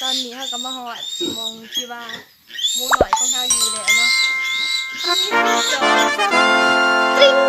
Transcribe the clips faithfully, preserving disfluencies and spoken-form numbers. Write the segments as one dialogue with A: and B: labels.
A: อนนี้เขาก็มาหอดมองที่ว่าหมูหน่อยของเขาอยู่แล้วเนาะจอจริง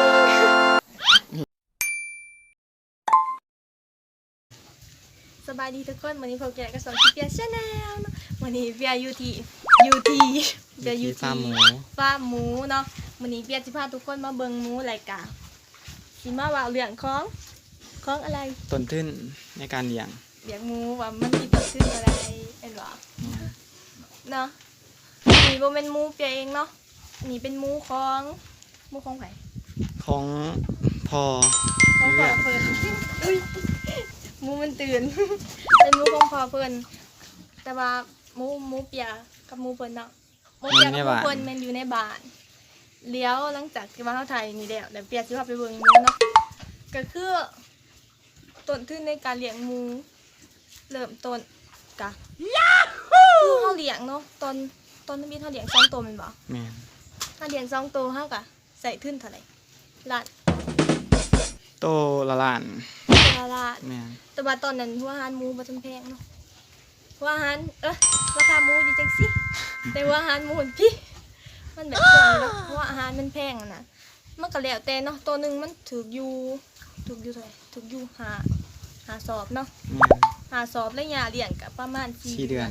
A: สบายดีทุกคนวันนี้พวกแกก็สอนที่เปียชาแนลวันนี้เปียอยู่ที่อยู่ที่เปียอยู่ที่ฟาร์มหมูฟาร์มหมูเนาะวันนี้เปียจะพาทุกคนมาเบิ่งหมูรายการสิมาว่าเรื่องของของอะไร
B: ต้นทุนในการเลี้ยง
A: เลี้ยงหมูว่ามันมีต้นทุนอะไรเห็นหรอเนาะนี่โบเป็นหมูเปียเองเนาะนี่เป็นหมูของหมูของไผ่
B: ของพอ
A: ของพ่อเพิ่นอุ้ยหมูมันตื่นเป็นหมูของพ่อเพิ่นแต่ว่าหมูหมูเปียกับหมูเพิ่นเนาะหมูเปียกับหมูเพิ่นมันอยู่ในบ้านเลี้ยวหลังจากที่ว่าเขาถ่ายนี่แล้วเดี๋ยวเปียสิพาไปเบิ่งหมูเนาะก็คือต้นทุนในการเลี้ยงหมูเริ่มต้นกะคือเขาเลี้ยงเนาะตอนตอนนี้เขาเลี้ยงสองตัวมันบ่
B: แม่น
A: ถ้าเลี้ยงสองตัวเขากะใส่ทุนเท่าไหร่ล้าน
B: โตละล้าน
A: ละล้าน
B: แม่น
A: แต่ว่าตอนนั้นหัวอาหารหมูบ่จำแพงเนาะหัวอาหารเออราคาหมูอยู่จังสิแต่หัวอาหารหมูพี่มันแบบเกินเนาะหัวอาหารมันแพงนะมันก็แล้วแต่เนาะตัวหนึ่งมันถูกอยู่ถูกอยู่เท่าไหร่ถูกอยู่หาหาสอบเนาะหาสอบแล้วยาเลี้ยงกับประมาณสี่เดือน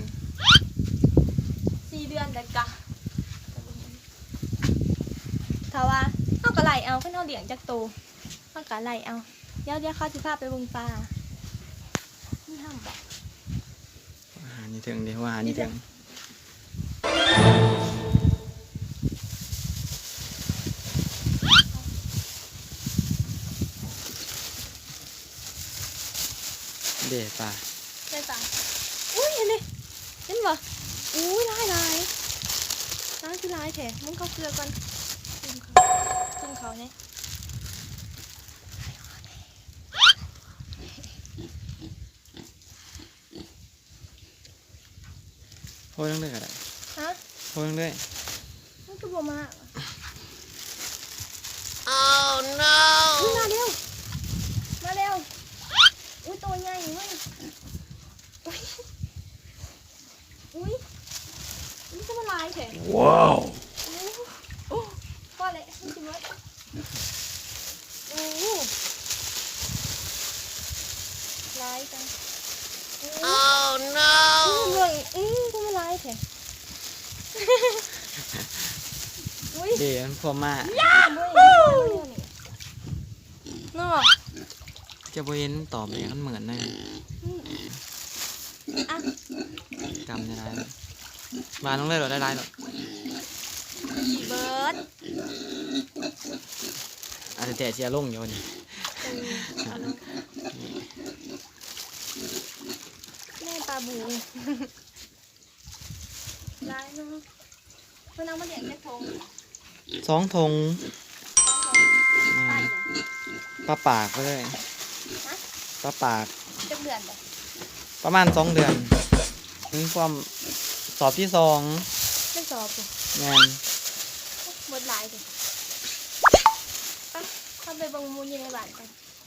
A: สี่เดือนแต่กะถ้าว่าเขาก็ไล่เอาเพิ่นเขาเลี้ยงจากโตเขาก็ไล่เอาเดี๋ยวเดี๋ยวเขาสิพาไปเบิ่งปลานี่ห้ามบอก
B: อาหารนี่ถึงดิว่าอาหารนี่ถึงเด็ดป่ะ
A: ได้ป่ะอุ้ยเห็นดิเห็นบ่อุ้ยลายลายลายคือลายแท้มึงเข้าเกลือก่อนจุ่มเขาจุ่มเขาเนี่ย
B: โอ้ยต้องเลือกอะไร
A: ฮะ
B: โอ้ยต้องเลือก
A: มันก็บ่มา oh no มาเร็วมาเร็วอุ้ยตัวใหญ่เว้ยอุ้ยอุ้ยนี่จะมาลายแท้
B: ว้าว
A: โอ้พ่อเลยมันจะมาโอ้ลายจัง oh no เรื่องอือจะมาลายแท้
B: เดี๋ยวมันพอมา
A: เนาะ
B: จะบ่เห็นตอบเลยมันเหมือนเลยกำจะได้มาต้องเล่นหรอได้ได้หรอ
A: เบิร์ด
B: อาจจะแต่เชียร์ลงอยู่นี่
A: แม่ปลาบูได้เนาะเพื่อนเอามาเลี้ยงแค่ทง
B: สองทงปลาปากก็เลยปลาปาก
A: จะเดือนเลย
B: ประมาณสองเดือนนี่ความสอบที่สอง
A: ไม่สอบเลย
B: งาน
A: หมดหลายเลยไปเข้าไปเบิ่งมูอยู่ในบ้านกัน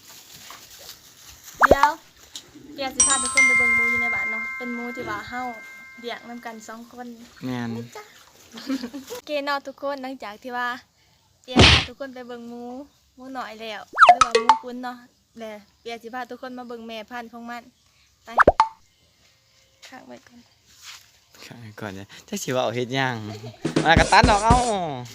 A: เดี๋ยวเดี๋ยวสิพาทุกคนไปเบิ่งมูอยู่ในบ้านเนาะเป็นมูที่ว่าเฮาเลี้ยงนำกันสองคน
B: งาน
A: เกณฑ์เนาะทุกคนหลังจากที่ว่าเดี๋ยวพาทุกคนไปเบิ่งมูมูหน่อยแล้วหรือว่ามูคุ้นเนาะแล้วเดี๋ยวสิพาทุกคนมาเบิ่งแม่พันธุ์ของมันไปข้างไว้ก่อน
B: ข้างก่อนเนี่ยจะสิว่าเอาเฮ็ดย่างมากระตันดอกเอ้า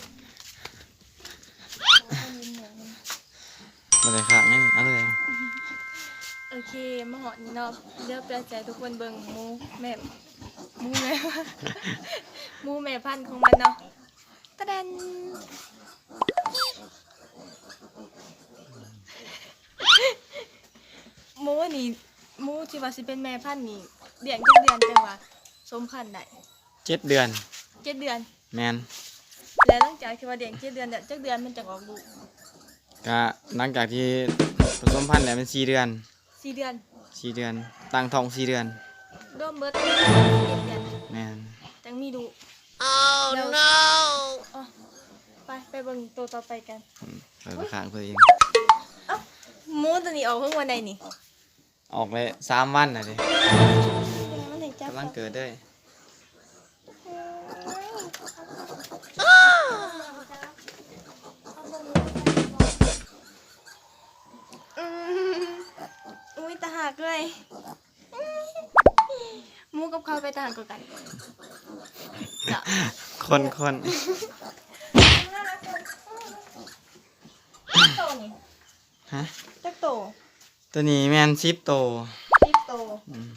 B: บ่ได้ข้างนี่เอาเลย
A: โอเคมาหอดนี่เนาะเดี๋ยวเปลี่ยนใจทุกคนเบิ่งมูแม่มูแม่มูแม่พันธุ์ของมันเนาะตะแดนมูนี่มูที่ว่าสิเป็นแม่พันธุ์นี่เดือนจักเดือนจังว่าสมพันธุ์ได้
B: เจ็ดเดือน
A: เจ็ดเดือน
B: แมน
A: แล้วหลังจากที่ว่าเดือนเจ็ดเดือนเดือนจักเดือนมันจะออกลูก
B: ก็หลังจากที่ผสมพันธุ์แล้วเป็นสี่เดือน
A: สี่เดือน
B: สี่เดือนตั้งท้องสี่เดือน
A: รวมเบิดเดือน
B: แมน
A: จังมีดู
C: oh no
A: ไปไปเบิ่งตัวต่อไปกัน
B: เปิดข้างเพื่อเอง
A: มูตัวนี้ออกเพิ่งวันใดนี่
B: ออกไปสามวันน่ะดิ
A: มันได้จับ
B: กำลังเกิดเด้ย
A: อืมอุ้ยตาหักเลยหมูกับเขาไปตาหักกว่ากันเนาะ
B: คนคน
A: จักโตนี่
B: ฮะ
A: จักโต
B: ตัวนี้แมนชิปโต
A: สิบโต
B: อืม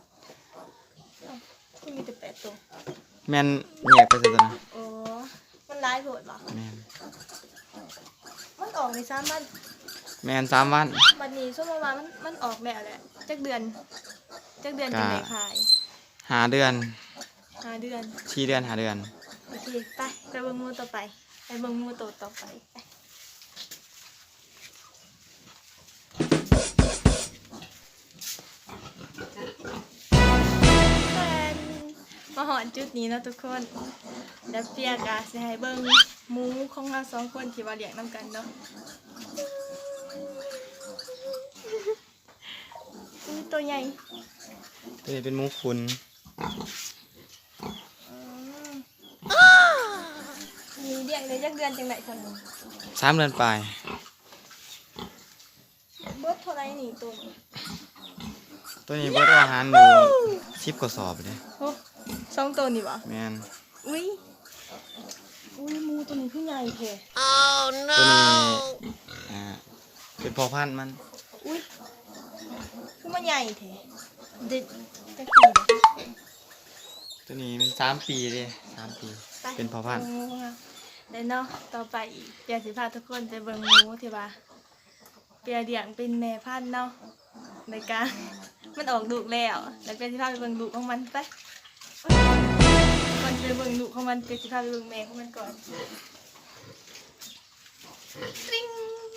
A: ที่มีแต่แปดโต
B: แมนเหยียกไปซะตัวนะ
A: โอ้มันร้ายโหดเหรอ
B: แมน
A: มันออกในซ้ำมัน
B: แมนสามวัน
A: บัดนี้ช่วงประมาณมันมันออกแล้วแหละจักเดือนจักเดือนจังไดขาย
B: หาเดือน
A: ห้าเดือน
B: ชี้เดือนหาเดือน
A: โอเคไปไปเบิ่งหมูต่อไปไปเบิ่งหมูโตต่อไปไปแฟนมาหอนจุดนี้เนาะทุกคนเดี๋ยวเปียกะสิให้เบิ่งหมูของเราสองคนที่ว่าเลี้ยงนำกันเนาะอุ้ยตัวใหญ่
B: ตัวนี้เป็นหมูขุน
A: มีเลี้ยงได้จักเดือนจังไดคนหนึง
B: สามเดือนปลาย
A: เบิดเท่าไรนี่ตัวนี้
B: ตัวนี้เบิดอาหารอยู่สิบกว่าสอบเลย
A: โอ้สองตัวนี่บ่
B: แมน
A: อุ้ยอุ้ยหมูตัวนี้คือใหญ่แท้
B: ตัวนี้อ่าเป็นพอพันธุ์มัน
A: อุ้ยคือมันใหญ่แท้เด็ดจักปีเด้อ
B: ตัวนี้เป็นสามปีเลยสามปี
A: ไป
B: เป็นพอพันธุ์
A: บิ่งหมูค่ะแล้วเนาะต่อไปอีกเปียสิพาทุกคนไปเบิ่งหมูที่ว่าเปียเลี้ยงเป็นแม่พันธุ์เนาะในการมันออกลูกแล้วแล้วเปียสิพาไปเบิ่งลูกของมันไปก่อนจะไปเบิ่งลูกของมันเปียสิพาไปเบิ่งแม่ของมันก่อนตริ้ง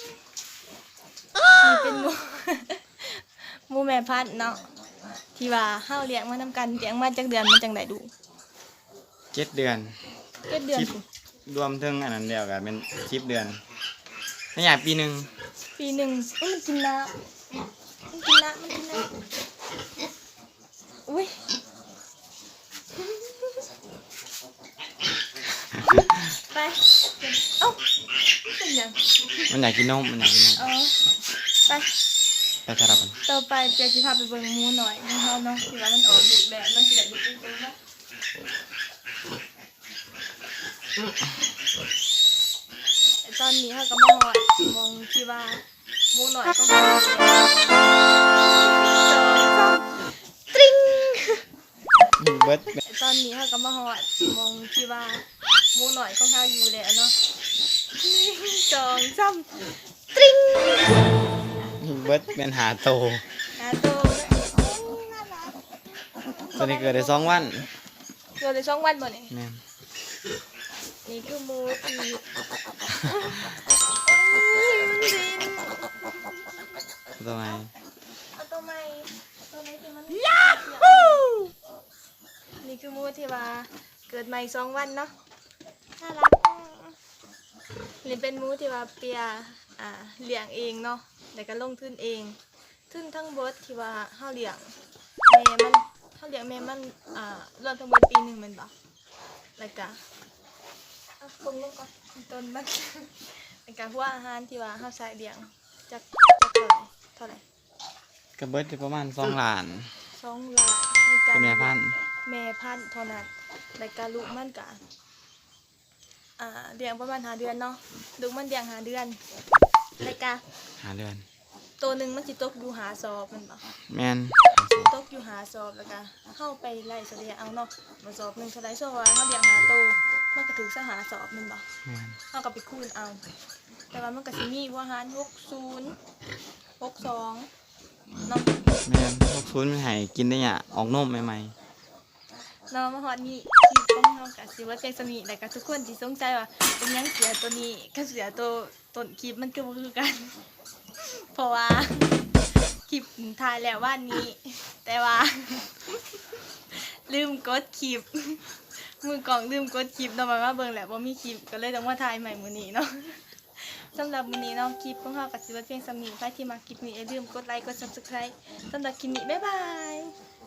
A: นี่เป็นหมู หมูแม่พันธุ์เนาะที่ว่าเฮาเลี้ยงมานำกันเลี้ยงมาจักเดือนมันจังไดดู
B: เจ็ดเดือน
A: เจ็ดเดือน
B: สิบ
A: สิ
B: รวมถึงอันนั้นเดียวกันเป็นสิบเดือนไม่อยากปีหนึ่ง
A: ปีหนึ่งเอ้ยมันกินน้ำมันกินน้ำมันกินน้ำอุ้ยไปเอ้าเป็นยัง
B: มันอยากกินนมมันอยากกินนม
A: อ๋อไป
B: ไปสลับกัน
A: ต่อไปเปียสิพาไปเบิ่งหมูหน่อยของเฮาเนาะที่ว่ามันออกลูกแล้วมันสิได้ลูกเป็นตัวเนาะไอ้ตอนนี้เฮาก็มาฮอดมองที่ว่าหมูหน่อยของเฮาตริ้ง
B: เบิร์ด
A: ตอนนี้เฮาก็มาฮอดมองที่ว่าหมูหน่อยของเฮาอยู่แล้วเนาะหนึ่งสองสามตริ้ง
B: เบิร์ดเป็นหาโต
A: หาตัว
B: ตัวนี้เกิดได้สองวัน
A: เกิดได้สองวันบ่นี่
B: แม่น
A: นี่คือหมูที่เอ้ยมันบิน
B: ตัวไหน
A: เอาตัวใหม่ตัวไหนที่มันนี่คือหมูที่ว่าเกิดใหม่สองวันเนาะน่ารักนี่เป็นหมูที่ว่าเปียอ่าเลี้ยงเองเนาะแล้วก็ลงทุนเองทุนทั้งเบิดที่ว่าเฮาเลี้ยงแม่มันเฮาเลี้ยงแม่มันอ่ารวมทั้งหมดปีหนึงแมันบ่แล้วก็เอาคงลงก่อนต้นมัน แล้วก็หัวอาหารที่ว่าเฮาใส่เลี้ยงจักจักเท่าไหร่เท่าไหร่
B: ก็เบิร์ดได้ประมาณสองล้าน
A: สองล้านในการ
B: เป็นแม่พันธุ์
A: แม่พันธุ์เท่านั้นแล้วก็ลูกมันก็อ่าเลี้ยงประมาณห้าเดือนเนาะลูกมันเลี้ยงห้าเดือนแล้วก็
B: หาเดือน
A: ตัวหนึงมันสิตกอยู่หาซอบแมันบ่
B: แม่น
A: ตกอยู่หาซอบแล้วก็เข้าไปไล่เสลียเอาเนาะมาซอบหนึงเท่าไรซอบว่าเฮาเลี้ยงหาโตวมันก็ถึงซะหาซอบแมันบ่
B: แม่น
A: เฮาก็ไปคูณเอา แต่ว่ามันก็สิมีว่าหารหกสิบ หกสิบสองเนาะ
B: แม่นพวกซุนมันให้กินได้เนี่ยออกนมใหม่
A: เนาะมาฮอดนี้คลิปของเฮาก็สิว่าเพียงสนิทแล้วก็ทุกคนสิสงสัยว่าเป็นหยังเสือตัวนี้กับเสือตัวต้นคลิปมันคือบ่คือกัน เพราะว่าคลิปถ่ายแล้ววันนี้ แต่ว่า ลืมกดคลิป มือกล่องลืมกดคลิปเนาะมาว่าเบิ่งแหละว่ามีคลิปก็เลยต้องมาถ่ายใหม่มื้อนี้เนาะ สำหรับมื้อนี้เนาะคลิปของเฮาก็สิว่าเพียงสำนี้ใครที่มาคลิปนี้อย่าลืมกดไลค์กด Subscribe สำหรับคลิปนี้บ๊ายบาย